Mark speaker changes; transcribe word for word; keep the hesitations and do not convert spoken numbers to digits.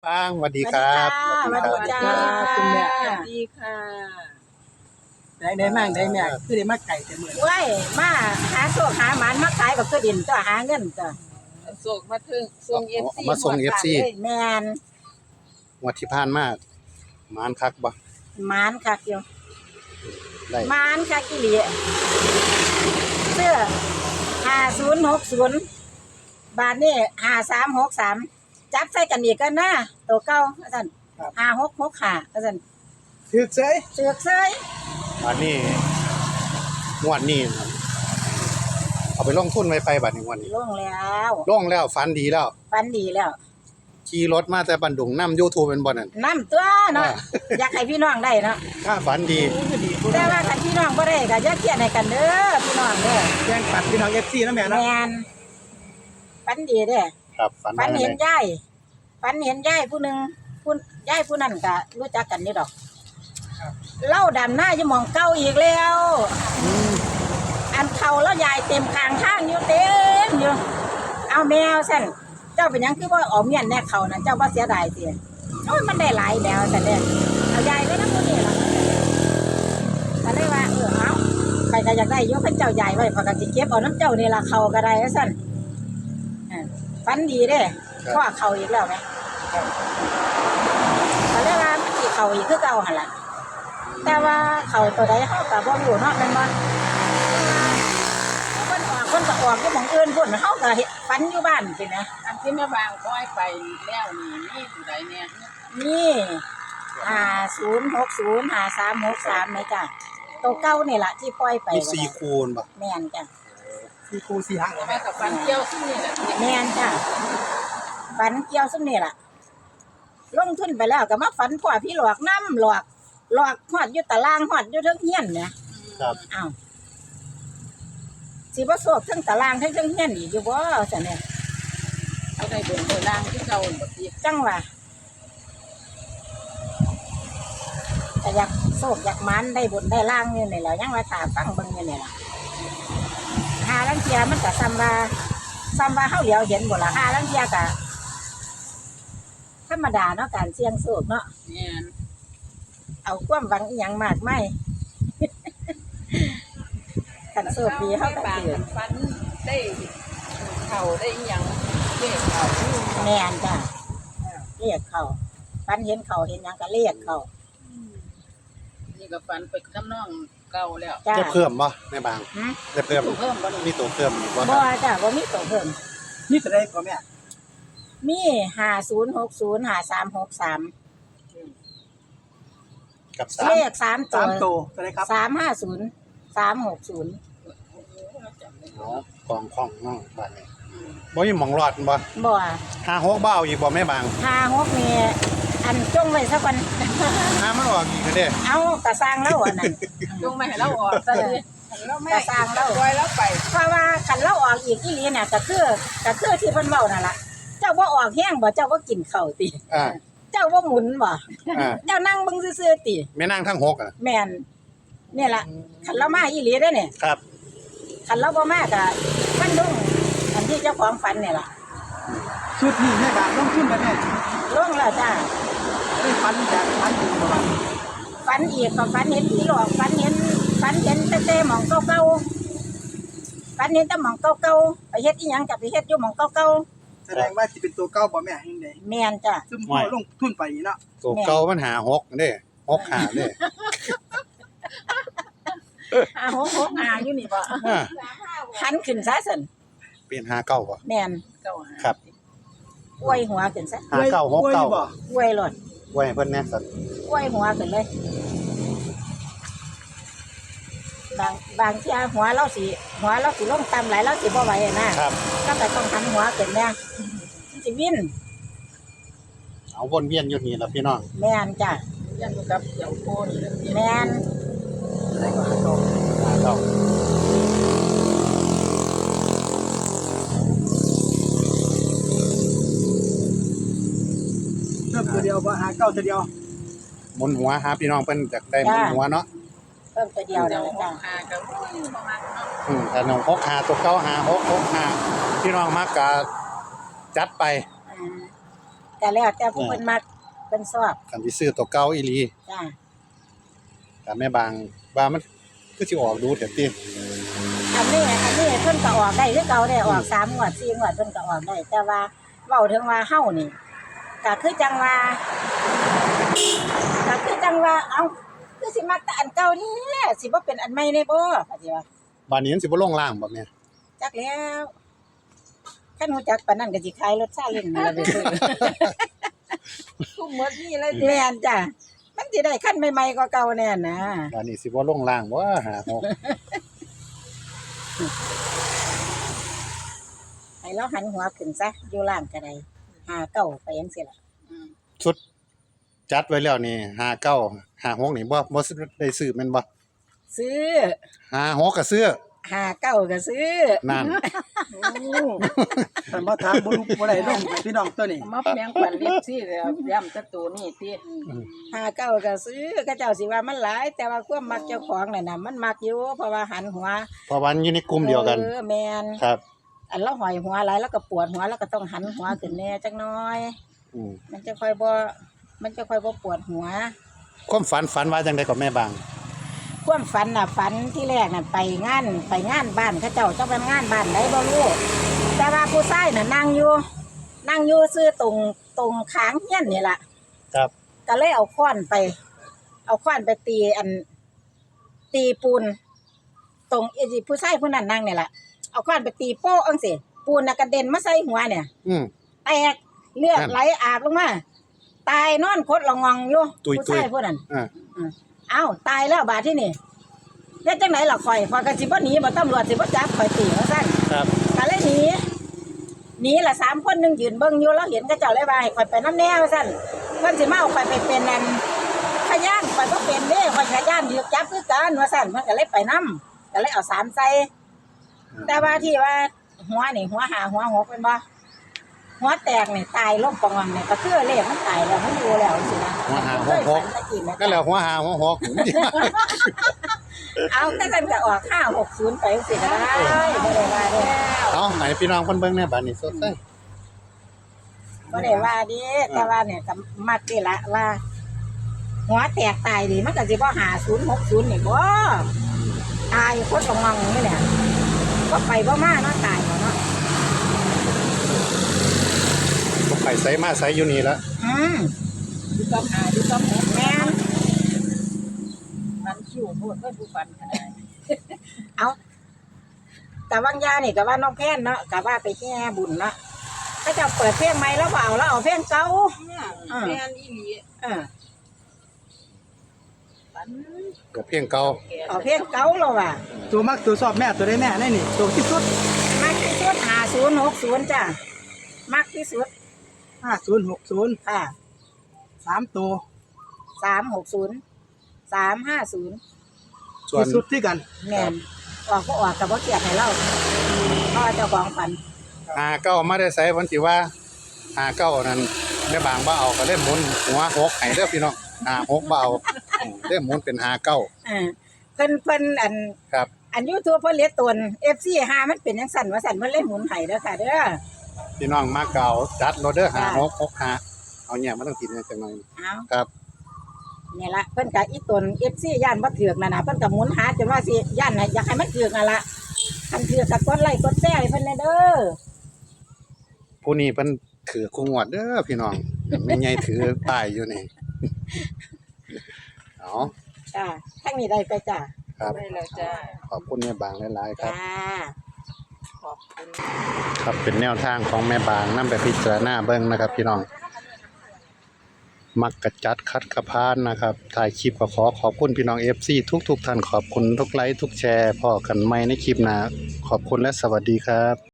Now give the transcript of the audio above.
Speaker 1: ป้างสวัสดีครับ
Speaker 2: สวัสดีจ้า
Speaker 3: คุณแม่
Speaker 2: สวัสดีค่ะ
Speaker 3: ได้ได้มั่งได้แม่คือได้มาไก่แต่มื้อ
Speaker 2: เว้ยมาหาโซกหาหมานมาขายกับตัวดินตัวหาเงินตัว
Speaker 4: ส่งมาถึงส่งเอฟซี
Speaker 1: มาส่ง เอฟ ซี
Speaker 2: แมน
Speaker 1: งวดที่ผ่านมาหมานคักบ่
Speaker 2: หมานคักอยู่
Speaker 1: ได้
Speaker 2: หมานคักอีหลีเสื้อห้าศูนย์หกศูนย์บาทนี่ห้าสามหกสามจับใส่กันอีกกันนะตัวเก่าอาจารย์ห้าหกหกห้าอาจารย์
Speaker 3: ถึกเสย
Speaker 2: เสือกเซย
Speaker 1: วันนี้งวดนี้นะเอาไปลงทุนไว้ไปบัดนี้งวดนี้
Speaker 2: ลงแล้ว
Speaker 1: ลงแล้วฝันดีแล้ว
Speaker 2: ฟันดีแล้ว
Speaker 1: ขี่รถมาแต่บันดุงนำ YouTube เป็นบ่นั่น
Speaker 2: น้ำตัวเนาะ
Speaker 1: อ่า
Speaker 2: อยากให้พี่น้องได้เนาะ
Speaker 1: ถ้าฝันดี
Speaker 3: คือดี
Speaker 2: แต่ว่าคันพี่น้องบ่ได้ก็อย่าเครียดให้กันเด้อพี่น้องเด้อ
Speaker 3: แจ้งปัดพี่น้อง เอฟ ซี นะแม่
Speaker 2: แม
Speaker 3: เนาะ
Speaker 2: นฝันดีเด้อ
Speaker 1: ครับฝัน
Speaker 2: ฝัน
Speaker 1: ว่า
Speaker 2: เห็น
Speaker 1: ไง
Speaker 2: ยายฝันเห็นยายผู้หนึงผู้ยายผู้นั้นก็รู้จักกันนี่ดอกเล่าดำหน้าอยู่หมองเก่าอีกแล้ว อันเขาแล้วยายเต็มคางข้างอยู่เต็มอยู่เอาแมวสั่นเจ้าเป็นหยังคือว่าออมเมียนแน่เขานั่นเจ้าบ่เสียดายสิโอ้ยมันได้หลายแล้วแต่เด้อเอายายไว้นำผู้นี้ล่ะก็เลยว่าเออเอาใครก็อยากได้ยกให้เจ้าใหญ่ไว้เพอก็สิเก็บเอาน้ำเจ้านี่ล่ะเขาก็ได้ว่าซั่นอ่าฝันดีเด้พ่อเขาอีกแล้วไหมก็เลยว่ามันสิเขาอีกคือเก่าหั่นล่ะแต่ว่าเขาตัวใดเฮาก็บ่รู้เนาะแม่นบ่คนออกคนก็ออกอยู่หม้องอื่นพุ่นเฮาก็เฮ็ดฝันอยู่บ้านสินะ
Speaker 4: อันที่แม่บางก้อยไปแล้วนี่นี่ผู้ใดเนี่ย
Speaker 2: นี่ห้าศูนย์หกศูนย์ห้าสามหกสามไหมจ้ะตัวเก่านี่ล่ะที่ปล่อยไป
Speaker 1: มีสี่คูณบ่
Speaker 2: แม่นจ้ะ
Speaker 3: สี่คู่สี่หาง
Speaker 4: แม่กับฟันเกี่ยวซึ่งนี่แหละ
Speaker 2: แม่นจ้ะฝันเกี่ยวซุมนี่ล่ะลงทุนไปแล้วก็มาฝันพ่อพี่หลอกน้ำหลอกหลอกฮอดอยู่ตารางฮอดอยู่เทิงเฮียนเนี่ย
Speaker 1: ครับ
Speaker 2: อ้าวสิบ่โศกเทั้งตารางเทั้งเทิงเฮียนอีกอยู่บ่ซั่นเนี่ย
Speaker 4: เขาได้เดินเดินล่างที่เก่าหมดที
Speaker 2: จังว่าแต่อยากโศกอยากหมันได้บุญได้ล่างนี่นี่แหละยังว่าถามฟังเบิ่งนี่นี่ล่ะหาลังเทียมันก็ซ้ำว่าซ้ำว่าเฮาเหลียวเห็นบ่ล่ะหาลังเทียก็ธรรมดาเนาะการเสี่ยงโชคเนาะ
Speaker 4: เนี่ย
Speaker 2: เอาความหวังอีหยังมากไม่ คันโชคดีเฮาก็
Speaker 4: บาง
Speaker 2: ถือ
Speaker 4: ฟันได้เข่าได้ยังเกี่ยเข่า
Speaker 2: แม่นจ้ะเรียกเขาฟันเห็นเขาเห็นหยังก็เรียกเขา
Speaker 4: นี่ก็ฟันไปน้ำน่องเก่าแล้ว
Speaker 2: จ้า
Speaker 1: ได้เพิ่มบ่แม่บาง
Speaker 2: หึ
Speaker 1: ได้เพิ่ม
Speaker 4: เพิ่มบ่นี่
Speaker 1: มีตัวเพิ่มอีกบ่ค
Speaker 2: บ่
Speaker 1: รับ
Speaker 2: จ้ะบ่มีตัวเพิ่ม
Speaker 3: นี่จะได้ก่อนแม่
Speaker 2: มีห้าศูนย์หกศูนย์ห้าสามหกสาม
Speaker 1: กับ
Speaker 2: เล
Speaker 1: สาม
Speaker 2: ขสามตั
Speaker 3: สาว มตัวจะได้ครับ
Speaker 2: สามห้าศูนย์สามหกศูนย์
Speaker 1: อ๋อกองของเนาะบัดนี้บ่มีหม่องรอดบ่
Speaker 2: บ่
Speaker 1: ห้าหกบ่เอาอีกบ่แม่บาง
Speaker 2: ห้าหกนี่อันจงไว้ซะก่อน
Speaker 1: ห้ามันออกอีกเด้
Speaker 2: เอากระสร้างแล้วอันนั้น
Speaker 4: ลงมาให้เราออกซะเลยเราแม่ก้อยแล้วไป
Speaker 2: เพราะว่าคันเราออกอีกอีหลีน่ะก็คือก็คือที่เพิ่นเว้านั่นล่ะเจ้าบ่ออกแห้งบ่เจ้าบ่กินข้าวติ
Speaker 1: อ่า
Speaker 2: เจ้าบ่หมุนบ่
Speaker 1: อ่า
Speaker 2: เจ้านั่งเบิ่งซื่อๆติ
Speaker 1: แม่นางทั้งหกอ่ะ
Speaker 2: แม่นนี่ล่ะคันเรามาอีหลีเด้อเนี่ย
Speaker 1: ครับ
Speaker 2: คันเราบ่มาก็มันดุ้งอันที่เจ้าของฝันนี่ล่ะ
Speaker 3: ชุดนี้แม่บางต้องขึ้นไปแม่
Speaker 2: ลงแล้วจ้า
Speaker 3: ได้ฟันแบบฟันถึงประมาณ
Speaker 2: ฝันอีกก็ฝันเห็นผีหลอกฝันเห็นฝันเห็นแต่แต่หมองเก่าๆฝันเห็นแต่หมองเก่าๆไปเฮ็ดอีหยังก็ไปเฮ็ดอยู่หมองเก่า
Speaker 3: แสดงว่าสิเป็นตัวเก้าบ่แม่ยังไง
Speaker 2: ๆแม่นจ้ะ
Speaker 3: ซึ่งพ่อลงทุนไปเนาะ
Speaker 1: ตัวเก่ามันหาหกเด้หกหาเด้
Speaker 2: อ่าหกหกอ่าอยู่นี่บ่
Speaker 1: อ่า
Speaker 2: หันขึ้นซะซั่น
Speaker 1: เป็นหาเก้าบ่
Speaker 2: แม่น
Speaker 4: เก่า
Speaker 1: ครับ
Speaker 2: อวยหัวขึ้นซะ
Speaker 1: หาเก้าหกเก้า
Speaker 3: บ่
Speaker 2: อวยโลด
Speaker 1: ไว้ให้เพิ่นแหน่สัตว์
Speaker 2: อวยหัวขึ้นเลยบางบางเที่ยหัวเราสิหัวเราสิลงต่ำหลายเราสิบ่ไหวอะนะครับ ก็ก็ต้องหันหัวขึ้นแน่สิวิน
Speaker 1: เอาวนเวียนอยู่นี่ล่ะพี่น้อง
Speaker 2: แม่นจ้ะ
Speaker 4: ยันกับเกี่ยวโคนเลย
Speaker 2: แม่น
Speaker 3: ได้ก่อนหาเก้า
Speaker 1: หาเก้า
Speaker 3: เริ่มตัวเดียวบ่หาเก้าตัวเดียว
Speaker 1: หมุนหัวหาพี่น้องเพิ่นอยากได้หมุนหัวเนาะ
Speaker 2: เพิ่มตัวเดียว
Speaker 4: เดี๋
Speaker 2: แล้
Speaker 4: ยว
Speaker 2: วจ้ะ
Speaker 4: หากับประมาณเนาะ
Speaker 1: อืมถ้าน้องหกหาตัวเก้าหาหกหกหาพี่น้องมักก็จัดไป
Speaker 2: อืมแต่แล้วแต่ผู้เพิ่นมักเพิ่นชอบ
Speaker 1: คันสิซื้อตัวเก่าอีหลี
Speaker 2: จ้า
Speaker 1: แต่แม่บางว่ามันคือสิออกดูแท้ติ
Speaker 2: อันนี้อันนี้เพิ่นก็ออกได้คือเก่าได้ออกสามงวดสี่งวดเพิ่นก็ออกได้ แต่ว่าเว้าถึงว่าเฮานี่ก็คือจังว่าก็คือจังว่าเอ้าคือสิมาแต่อันเก่านี่สิบ่เป็นอันใหม่ได้บ่ก็สิว่า
Speaker 1: บาดนี้มันสิบ่ลงล่างบ่แม่
Speaker 2: จักแล้วคันฮู้จักปานนั้นก็สิขายรถซาเล้งนี่ล่ะไปซื้อ
Speaker 4: ทุกหมดนี่เลย
Speaker 2: แม่นจ้ะมันสิได้คันใหม่ๆกว่าเก่าแน่นะ
Speaker 1: บาดนี้สิบ่ลงล่างบ่หาหก
Speaker 2: ให้เราหันหัวขึ้นซะอยู่ล่างก็ได้หาเก้าไปจังซี่ล่ะ
Speaker 4: อืม
Speaker 1: ชุดจัดไว้แล้วนี่ห้าเก้า ห้าหกนี่บ่บ่ได้ซื้อแม่นบ่
Speaker 2: ซื้อ
Speaker 1: ห้าหกก็ซื้อ
Speaker 2: หาเก้าก็ซื้อ
Speaker 1: นั่น
Speaker 3: แต่บ่ถามบ่รู้บ่ได้ลงพี่น้องตัวนี้
Speaker 4: มาแบ่งปันเล็บซี่แล้วย้ำแตะตัวนี่ติ
Speaker 2: หาเก้าก็ซื้อก็เจ้าสิว่ามันหลาย แต่ว่าความมักเจ้าของน่ะน่ะมันมักอยู่เพราะว่าหันหัว
Speaker 1: เพราะว่ามันอยู่ในกลุ่มเดียวกัน
Speaker 2: เออแม่น
Speaker 1: ครับ
Speaker 2: อันเราหอยหัวหลายแล้วก็ปวดหัวแล้วก็ต้องหันหัวขึ้นแน่จักหน่อย
Speaker 1: อืม
Speaker 2: มันจะค่อยบ่มันจะค่อยบ่ปวดหัว
Speaker 1: ความฝันฝันว่าจังได๋ก็แม่บาง
Speaker 2: ความฝันน่ะฝันที่แรกน่ะไปงานไปงานบ้านเขาเจ้าเจ้าเป็นงานบ้านใดบ่รู้แต่ว่าผู้ชายน่ะนั่งอยู่นั่งอยู่ซื้อตรงตรงค้างเฮียนนี่ล่ะ
Speaker 1: ครับ
Speaker 2: ก็เลยเอาค้อนไป เอาค้อนไปตีอัน ตีปูน ตรงไอ้ที่ผู้ชายผู้นั้นนั่งนี่ล่ะเอาค้อนไปตีโป๊ะจังซี่ปูนน่ะกระเด็นมาใส่หัวเนี่ย
Speaker 1: อืม
Speaker 2: แตกเลือดไหลอาบลงมาตายนอนคดละงองอยู่
Speaker 1: ตุยๆ
Speaker 2: ผู้ชายผู้นั้น
Speaker 1: อ่า
Speaker 2: เอ้าตายแล้วบาดที่นี่เฮ็ดจังไหนล่ะข่อยข่อยก็สิบ่หนีบ่ตำรวจสิบ่จับข่อยตีว่าซั่น
Speaker 1: ครับ
Speaker 2: ก็เลยหนีหนีละสามคนหนึงยืนเบิ่งอยู่แล้วเห็นเขาเจ้าเลยว่าให้ข่อยไปนำแนวว่าซั่นเพิ่นสิมาเอาข่อยไปเป็นนั่นพยานข่อยบ่เป็นเด้ข่อยพยานถูกจับคือกันว่าซั่นเพิ่นก็เลยไปนำก็เลยเอาสามใส่แต่ว่าที่ว่าหัวนี่หัวหาหัวหกเป็นบ่หัวแตกนี่ตายลงปองนี่ก็คือเลขมันตายแล้วมันอยู่แล้วสินะ
Speaker 1: หัวหาหัวหก ก็แล้วหัวหาหัวหก
Speaker 2: เอาแต่กันก็ออกห้าหกศูนย์ไปสิก็ได้บ่ได้ว่าเด้
Speaker 1: เอาให้พี่น้องเพิ่นเบิ่งแหน่บัดนี้สดใส
Speaker 2: บ่ได้ว่าเด้แต่ว่าเนี่ยก็มักนี่ละว่า หัวแตกตายดิมันก็สิบ่ห้าศูนย์หกศูนย์นี่บ่ตายคนก็งังนี่แหละบ่ไปบ่มาเนาะตายเนาะ
Speaker 1: บ่ไปไสมาไสอยู่นี่ละ
Speaker 2: อืม
Speaker 4: ดูกับหาดูกับหก
Speaker 2: แม่น
Speaker 4: มันคิวโพดไว้ผู้ปันขนาด
Speaker 2: เอาแต่วังยานี่ก็ว่าน้องแพนเนาะก็ว่าไปแก้บุญเนาะก็จะเปิดเพลงใหม่แล้วบ่เอาแล้วเอาเพลงเก่า
Speaker 4: แม่นอีหลี
Speaker 2: เออ
Speaker 4: ปัน
Speaker 1: ก็เพียงเก่า
Speaker 2: เอาเพลงเก่าแล้วว่ะ
Speaker 3: ตัวมักตัวชอบแม่ตัวได้แม่นี่นี่ตัวที่สุด
Speaker 2: มักที่สุดห้าศูนย์หกศูนย์จ้ะมักที่สุด
Speaker 3: ห้าศูนย์หกศูนย์
Speaker 2: ค่ะ
Speaker 3: สามตัว
Speaker 2: สามหกศูนย์สามห้าศูนย์
Speaker 1: ส่วน
Speaker 3: ที่สุดที่กัน
Speaker 2: แม่นออกก็ออกกับว่าเกียดให้เราเพราะว่าเจ้าของฝัน
Speaker 1: หาเก้ามาได้ไสวันที่ว่าหาเก้านั่นแม่บางบ่เอาก็เลยหมุนหัวหกให้เด้อพี่น้องหาหกบ่เอาอืมเลยหมุนเป็นหาเก้า
Speaker 2: เออเพิ่นเพิ่นอัน
Speaker 1: ครับ
Speaker 2: อัน YouTube เพิ่นเลียตน เอฟ ซี ห้ามันเป็นจังซั่นว่าซั่นเพิ่นเลยหมุนให้เด้อค่ะเด้อ
Speaker 1: พี่น้องมาเก่าจัดโลดเด้อหา
Speaker 2: จ้ะ
Speaker 1: หกหกหาเอาเนี่ยมันต้องกินจังหน่อย
Speaker 2: เอา
Speaker 1: ครับ
Speaker 2: นี่ละเพิ่นก็อีตน เอฟ ซี ย่านบ่ถูกนั่นน่ะเพิ่นก็หมุนหาจนว่าสิย่านน่ะอยากให้มันถูกนั่นล่ะคันถูกก็กดไลค์กดแชร์ให้เพิ่นแน่เด้อ
Speaker 1: ผู้นี้เพิ่นถือคู่งวดเด้อพี่น้องแม่ใหญ่ถือป้ายอยู่นี่เอา
Speaker 2: จ้าทางนี้ได้ไปจ้า
Speaker 1: ครับ
Speaker 4: ได้แล้วจ้า
Speaker 1: ขอบคุณแม่บางหลายๆครับ
Speaker 2: จ้า
Speaker 4: ขอบคุณ
Speaker 1: ครับเป็นแนวทางของแม่บางนำไปพิจารณาเบิ่งนะครับ พี่น้อง มักกะจัดคัดกระพานนะครับถ่ายคลิปก็ขอขอบคุณพี่น้อง เอฟ ซี ทุกๆท่านขอบคุณทุกไลค์ทุกแชร์พอกันใหม่ในคลิปหน้าขอบคุณและสวัสดีครับ